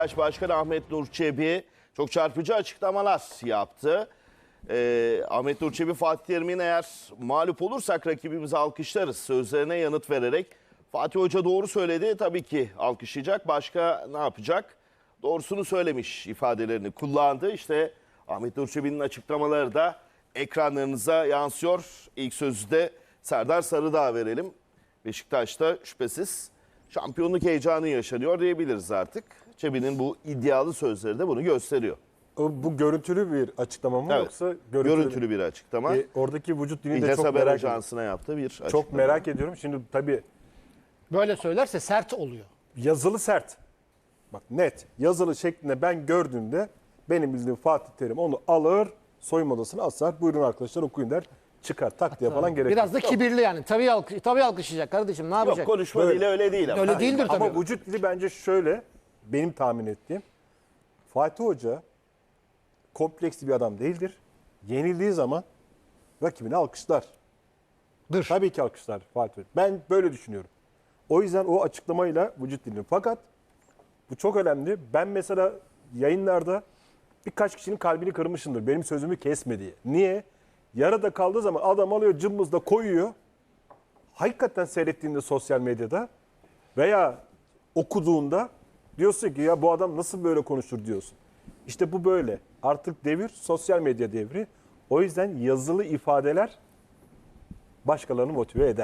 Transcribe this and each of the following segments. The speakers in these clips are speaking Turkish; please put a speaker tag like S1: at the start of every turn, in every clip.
S1: Başkanı Ahmet Nur Çebi çok çarpıcı açıklamalar yaptı. Ahmet Nur Çebi, Fatih Terim'in eğer mağlup olursak rakibimizi alkışlarız sözlerine yanıt vererek Fatih Hoca doğru söyledi, tabii ki alkışlayacak, başka ne yapacak? Doğrusunu söylemiş ifadelerini kullandı. İşte Ahmet Nur Çebi'nin açıklamaları da ekranlarınıza yansıyor. İlk sözü de Serdar Sarıdağ'a verelim. Beşiktaş'ta şüphesiz şampiyonluk heyecanı yaşanıyor diyebiliriz artık. Çebi'nin bu iddialı sözleri de bunu gösteriyor.
S2: Bu görüntülü bir açıklama mı,
S1: Evet,
S2: yoksa
S1: görüntülü bir açıklama.
S2: Oradaki vücut dilini de
S1: İltes
S2: çok
S1: Haber
S2: merak ediyorum.
S1: Ajansı'na yaptığı bir açıklama.
S2: Çok merak ediyorum. Şimdi tabii
S3: Böyle söylerse sert oluyor.
S2: yazılı sert. Bak net. Yazılı şeklinde ben gördüğümde benim bildiğim Fatih Terim onu alır, soyunma odasına asar. Buyurun arkadaşlar okuyun der. Çıkar tak diye falan gerek
S3: Biraz da
S2: yok.
S3: kibirli yani. Tabii alkışlayacak kardeşim, ne yapacak?
S1: Yok, konuşma
S2: Böyle.
S1: dili öyle değil ama.
S3: Öyle değildir tabii.
S2: Ama vücut dili bence şöyle, benim tahmin ettiğim. Fatih Hoca kompleksli bir adam değildir. Yenildiği zaman rakibini alkışlar. Tabii ki alkışlar Fatih Hoca. Ben böyle düşünüyorum. O yüzden o açıklamayla vücut dilini. Fakat bu çok önemli. Ben mesela yayınlarda birkaç kişinin kalbini kırmışımdır. Benim sözümü kesme diye. Niye? Yarıda kaldığı zaman adam alıyor, cımbızla koyuyor. Hakikaten seyrettiğinde sosyal medyada veya okuduğunda diyorsun ki ya bu adam nasıl böyle konuşur diyorsun. İşte bu böyle. Artık devir sosyal medya devri. O yüzden yazılı ifadeler başkalarını motive eder.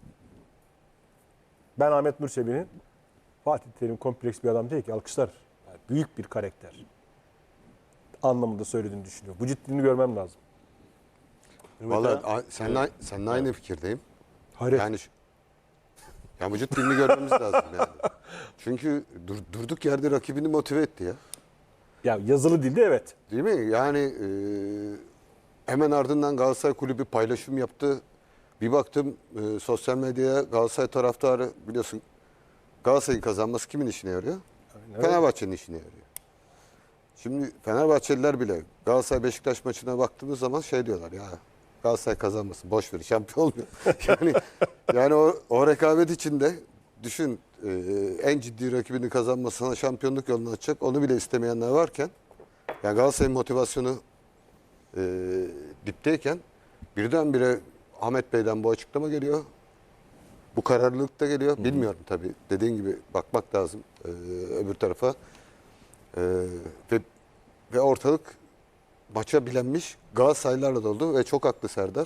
S2: Ben Ahmet Nur Çebi'nin Fatih Terim kompleks bir adam değil ki, alkışlar. Yani büyük bir karakter anlamında söylediğini düşünüyorum. Bu ciddiliğini görmem lazım.
S4: Vallahi seninle aynı fikirdeyim.
S2: Hayret.
S4: Yani vücut dilini görmemiz lazım yani. Çünkü durduk yerde rakibini motive etti ya.
S2: Ya yazılı dilde evet.
S4: Değil mi? Yani hemen ardından Galatasaray Kulübü paylaşım yaptı. Bir baktım sosyal medyaya Galatasaray taraftarı, biliyorsun Galatasaray'ın kazanması kimin işine yarıyor? Fenerbahçe'nin işine yarıyor. Şimdi Fenerbahçeliler bile Galatasaray Beşiktaş maçına baktığımız zaman şey diyorlar ya, Galatasaray kazanmasın, boş ver, şampiyon olmuyor. yani o rekabet içinde düşün, en ciddi rakibini kazanmasına şampiyonluk yolunu açacak, onu bile istemeyenler varken, yani Galatasaray'ın motivasyonu dipteyken birdenbire Ahmet Bey'den bu açıklama geliyor. Bu kararlılık da geliyor. Bilmiyorum tabii. Dediğin gibi bakmak lazım öbür tarafa. Ve ortalık maça bilenmiş Galatasaraylılarla doldu ve çok haklı Serdar.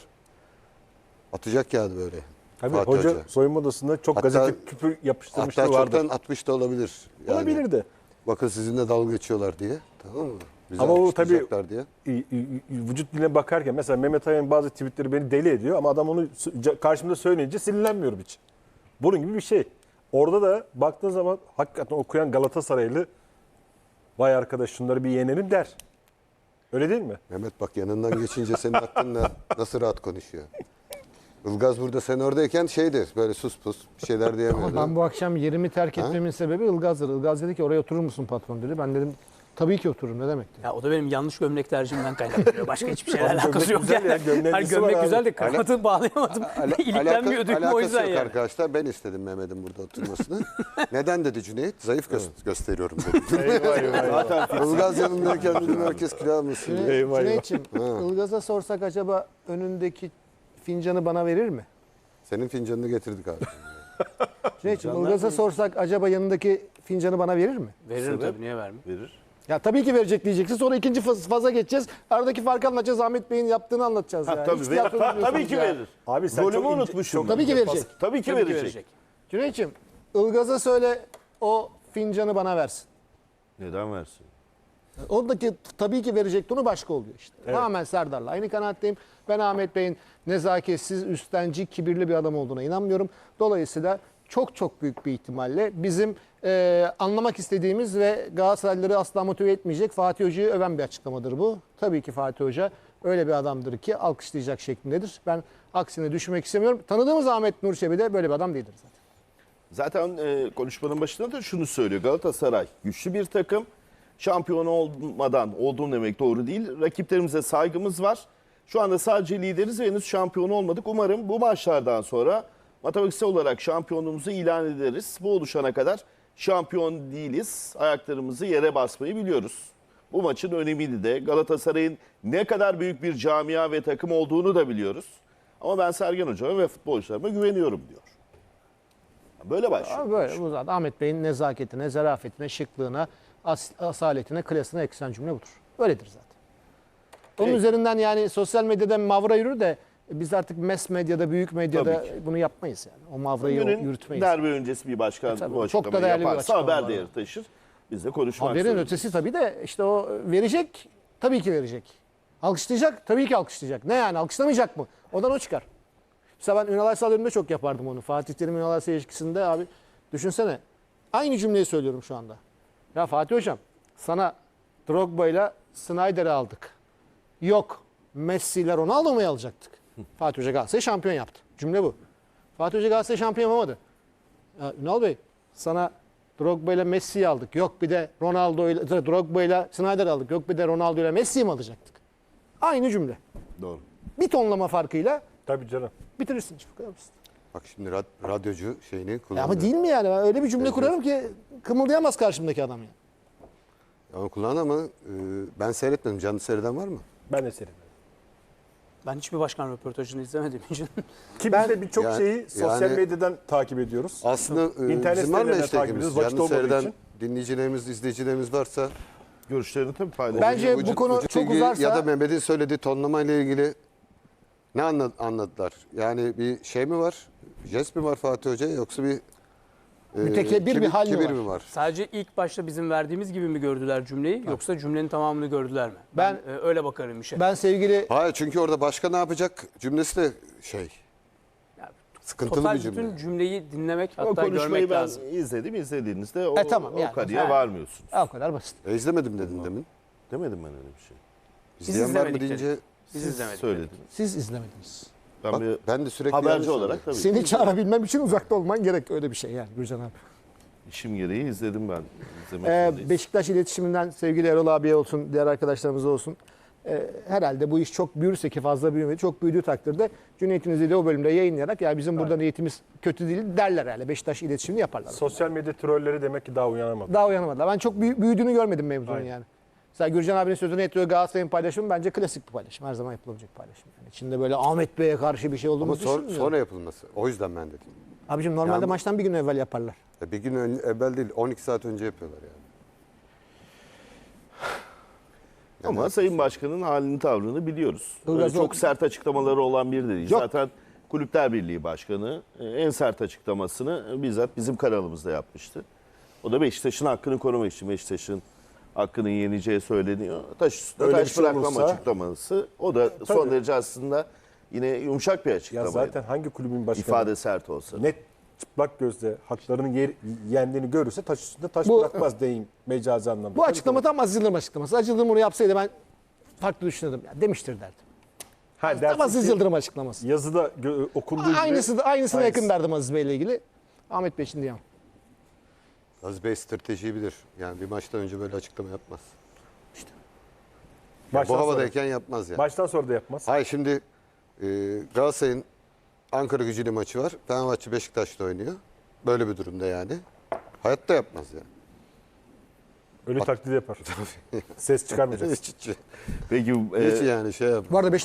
S4: Atacak yani böyle.
S2: Tabii
S4: Fatih
S2: hoca soyunma odasında çok
S4: Hatta-
S2: gazete küpür yapıştırmışlığı
S4: Hatta
S2: vardır.
S4: çoktan atmış da olabilir. Yani,
S2: Olabilir de.
S4: bakın sizinle dalga geçiyorlar diye. Tamam mı? Bizi
S2: Ama o
S4: alkışlayacaklar diye.
S2: Vücut diline bakarken mesela Mehmet Aya'nın bazı tweetleri beni deli ediyor ama adam onu karşımda söyleyince sinirlenmiyorum hiç. Bunun gibi bir şey. Orada da baktığın zaman hakikaten okuyan Galatasaraylı vay arkadaş şunları bir yenelim der. Öyle değil mi?
S4: Mehmet bak, yanından geçince senin hakkında nasıl rahat konuşuyor. Ilgaz burada, sen oradayken şeydir, böyle sus pus bir şeyler diyemiyordu.
S3: Ben bu akşam yerimi terk etmemin sebebi Ilgaz'dır. Ilgaz dedi ki oraya oturur musun patron dedi. Ben dedim tabii ki otururum, ne demek dedi.
S5: Ya o da benim yanlış gömlek tercihimden kaynaklanıyor. Başka hiçbir şeyle
S2: Abi
S5: alakası
S2: gömlek
S5: yok.
S2: güzel ya, gömleğin
S5: Hani
S2: nesi var
S5: gömlek
S2: abi?
S5: güzel de kravatı bağlayamadım. İliklenmiyor düğüm, o
S4: alakası
S5: yüzden
S4: yok
S5: yani.
S4: arkadaşlar. Ben istedim Mehmet'in burada oturmasını. Neden dedi Cüneyt? Zayıf gösteriyorum dedi.
S2: Eyvah eyvah.
S4: Ilgaz yanındayken dedim herkes kilo almasın diye.
S2: Eyvah eyvah.
S3: Cüneyt'ciğim, Ilgaz'a sorsak acaba önündeki fincanı bana verir mi?
S4: Senin fincanını getirdik abi.
S3: Cüneyt'ciğim, Ilgaz'a sorsak acaba yanındaki fincanı bana verir mi?
S5: Veririm tabii, niye vermeyeyim?
S1: Verir.
S3: Ya tabii ki verecek diyeceksin. Sonra ikinci faza geçeceğiz. Aradaki farkı anlatacağız. Ahmet Bey'in yaptığını anlatacağız. Yani.
S1: Tabii,
S3: Hiç tiyatro bilmiyorsunuz
S1: tabii ki
S3: ya.
S1: verir.
S2: Abi sen
S1: Golümü
S2: çok
S1: unutmuşum.
S3: Tabii ki verecek.
S1: Tabii ki
S5: Tabii ki
S1: verecek.
S3: Cüneyt'ciğim, Ilgaz'a söyle o fincanı bana versin.
S1: Neden versin?
S3: Oradaki tabii ki verecek tonu başka oluyor işte. Tamamen Serdar'la aynı kanaatteyim. Ben Ahmet Bey'in nezaketsiz, üstenci, kibirli bir adam olduğuna inanmıyorum. Dolayısıyla çok büyük bir ihtimalle bizim anlamak istediğimiz ve Galatasaraylıları asla motive etmeyecek Fatih Hoca'yı öven bir açıklamadır bu. Tabii ki Fatih Hoca öyle bir adamdır ki alkışlayacak şeklindedir. Ben aksine düşünmek istemiyorum. Tanıdığımız Ahmet Nur Çebi de böyle bir adam değildir zaten.
S1: Zaten konuşmanın başında da şunu söylüyor. Galatasaray güçlü bir takım. Şampiyon olmadan olduğum demek doğru değil. Rakiplerimize saygımız var. Şu anda sadece lideriz ve henüz şampiyon olmadık. Umarım bu maçlardan sonra matematiksel olarak şampiyonluğumuzu ilan ederiz. Bu oluşana kadar şampiyon değiliz. Ayaklarımızı yere basmayı biliyoruz. Bu maçın önemini de Galatasaray'ın ne kadar büyük bir camia ve takım olduğunu da biliyoruz. Ama ben Sergen Hoca'ma ve futbolcularıma güveniyorum diyor. Böyle başlıyor.
S3: Abi böyle bu zaten Ahmet Bey'in nezaketine, zarafetine, şıklığına, asaletine, klasına eksen cümle budur. Öyledir zaten. Onun
S1: Peki.
S3: üzerinden yani sosyal medyada mavra yürür de biz artık mass medyada, büyük medyada
S1: Tabii ki.
S3: bunu yapmayız yani. O mavrayı
S1: Günün
S3: yürütmeyiz.
S1: derbi öncesi bir başkan
S3: tabii,
S1: bu
S3: çok da
S1: açıklamayı
S3: değerli bir
S1: yaparsa
S3: açıklama
S1: haber
S3: var.
S1: değeri taşır. Biz de konuşmak
S3: Haberin
S1: zorundayız.
S3: ötesi tabii de işte o verecek, tabii ki verecek. Alkışlayacak, tabii ki alkışlayacak. Ne yani alkışlamayacak mı? Odan o çıkar. Mesela ben Ünal Aysal döneminde çok yapardım onu. Fatih Terim Ünal Aysal ilişkisinde abi düşünsene. Aynı cümleyi söylüyorum şu anda. Ya Fatih Hocam sana Drogba ile Snyder'i aldık. Yok Messi ile Ronaldo'yu alacaktık. Fatih Hoca Galatasaray şampiyon yaptı. Cümle bu. Fatih Hoca Galatasaray şampiyon yapamadı. Ya Ünal Bey sana Drogba ile Messi'yi aldık. Yok bir de Ronaldo ile Drogba ile Snyder aldık. Yok bir de Ronaldo ile Messi'yi mi alacaktık? Aynı cümle.
S1: Doğru.
S3: Bir tonlama farkıyla
S2: Tabii canım.
S3: bitirirsin. Bu kadar basit.
S4: Bak şimdi radyocu şeyini
S3: Ya
S4: kullanıyor.
S3: ama değil mi yani? Ben öyle bir cümle kurarım ki kımıldayamaz karşımdaki adam yani.
S4: Ama kullan ama ben seyretmedim. Canlı seyreden var mı?
S2: Ben de seyrediyorum.
S5: Ben hiçbir başkan röportajını izlemediğim için.
S2: Ki
S3: Ben-
S2: biz de birçok
S4: Yani-
S2: şeyi sosyal
S4: yani-
S2: medyadan takip ediyoruz.
S4: Aslında
S2: İnternet
S4: bizim var mı
S2: sitelerinden takip
S4: hashtagimiz?
S2: ediyoruz, vakit
S4: Canlı
S2: olmadığı
S4: seyreden
S2: için.
S4: dinleyicilerimiz, izleyicilerimiz varsa
S1: Görüşlerini tabii paylaşın.
S3: Bence bu konu çok
S4: ilgili
S3: uzarsa-
S4: ya da Mehmet'in söylediği tonlama ile ilgili ne anladılar? Yani bir şey mi var? Jest mi var Fatih Hoca yoksa bir
S3: Mütekebbir bir hal mi
S4: kibir
S3: var?
S4: mi var?
S5: Sadece ilk başta bizim verdiğimiz gibi mi gördüler cümleyi yoksa cümlenin tamamını gördüler mi?
S3: Ben-
S5: Öyle bakarım işe.
S3: Ben sevgili
S4: Hayır çünkü orada başka ne yapacak cümlesi de şey
S5: Ya,
S4: sıkıntılı
S5: Total
S4: bir cümle.
S5: bütün cümleyi dinlemek
S1: O
S5: hatta
S1: konuşmayı
S5: görmek
S1: ben
S5: lazım.
S1: izledim. İzlediğinizde o,
S3: tamam yani.
S1: o kanıya
S3: Ha.
S1: varmıyorsunuz.
S3: o kadar basit.
S4: İzlemedim dedin demin.
S1: Demedim ben öyle bir şey.
S4: İzleyen var mı
S5: izlemedik
S4: deyince
S5: Biz
S1: Siz
S5: izlemedik.
S1: söylediniz.
S3: Siz izlemediniz.
S1: Ben
S4: bak,
S1: bir
S4: ben de sürekli
S1: haberci
S4: yanlış
S1: olarak
S4: oluyor.
S1: tabii
S3: Seni çağırabilmem için uzakta olman gerek. Öyle bir şey yani Gürcan abi.
S1: işim gereği izledim ben. İzlemek zorundayız.
S3: Beşiktaş iletişiminden sevgili Erol abiye olsun, diğer arkadaşlarımıza olsun. Herhalde bu iş çok büyürse ki fazla büyümedi. Çok büyüdüğü takdirde Cüneyt'in izlediği o bölümde yayınlayarak ya bizim burada niyetimiz kötü değil derler herhalde. Beşiktaş iletişimini yaparlar.
S2: Sosyal medya trolleri demek ki daha uyanamadı.
S3: Daha uyanamadılar. Ben çok büyüdüğünü görmedim mevzunun
S2: Aynen.
S3: yani. Mesela Gürcan abinin sözünü ettiriyor Galatasaray'ın paylaşımı bence klasik bir paylaşım. Her zaman yapılabilecek paylaşım. Yani içinde böyle Ahmet Bey'e karşı bir şey olduğunu
S4: Ama
S3: düşünmüyorum.
S4: sonra yapılması. O yüzden ben dedim.
S3: Abicim normalde
S4: Yani-
S3: maçtan bir gün evvel yaparlar.
S4: Bir gün evvel değil 12 saat önce yapıyorlar yani.
S1: Ama Sayın Başkan'ın halini tavrını biliyoruz. Öyle
S3: Ilgaz
S1: çok
S3: o-
S1: sert açıklamaları olan biri de değil.
S3: Yok.
S1: Zaten Kulüpler Birliği Başkanı en sert açıklamasını bizzat bizim kanalımızda yapmıştı. O da Beşiktaş'ın hakkını korumak için. Beşiktaş'ın hakkının yeneceği söyleniyor. Taş üstüne
S2: Öyle
S1: taş
S2: bir şey
S1: bırakmam
S2: olursa-
S1: açıklaması. O da son
S2: Tabii.
S1: derece aslında yine yumuşak bir
S2: Ya
S1: açıklamaydı.
S2: zaten hangi kulübün başkanı
S1: İfade sert olsa.
S2: net çıplak gözle haklarının yendiğini görürse taş üstünde taş
S3: Bu-
S2: bırakmaz deyim mecazi anlamda.
S3: Bu
S2: Tabii
S3: açıklama
S2: ki.
S3: tam Aziz Yıldırım açıklaması. Aziz Yıldırım bunu yapsaydı ben farklı düşünürdüm. Ya demiştir derdim.
S2: Ha,
S3: Tam Aziz
S2: dersin ki
S3: Yıldırım açıklaması.
S2: yazıda okunduğu gibi
S3: Aynısına
S2: Aynısı.
S3: yakın derdim Aziz Bey'le ilgili. Ahmet Bey için diyemem.
S4: Aziz Bey stratejiyi bilir. Yani bir maçtan önce böyle açıklama yapmaz.
S2: baştan
S4: Bu
S2: sonra-
S4: havadayken yapmaz yani.
S2: Baştan sonra da yapmaz.
S4: Hayır şimdi Galatasaray'ın Ankara Gücü'yle maçı var. Fenerbahçe Beşiktaş'ta oynuyor. Böyle bir durumda yani. Hayatta yapmaz yani.
S2: Ölü taklidi yapar. Ses çıkarmayacak.
S4: Hiç
S1: Peki
S4: yani şey yap.
S3: Bu arada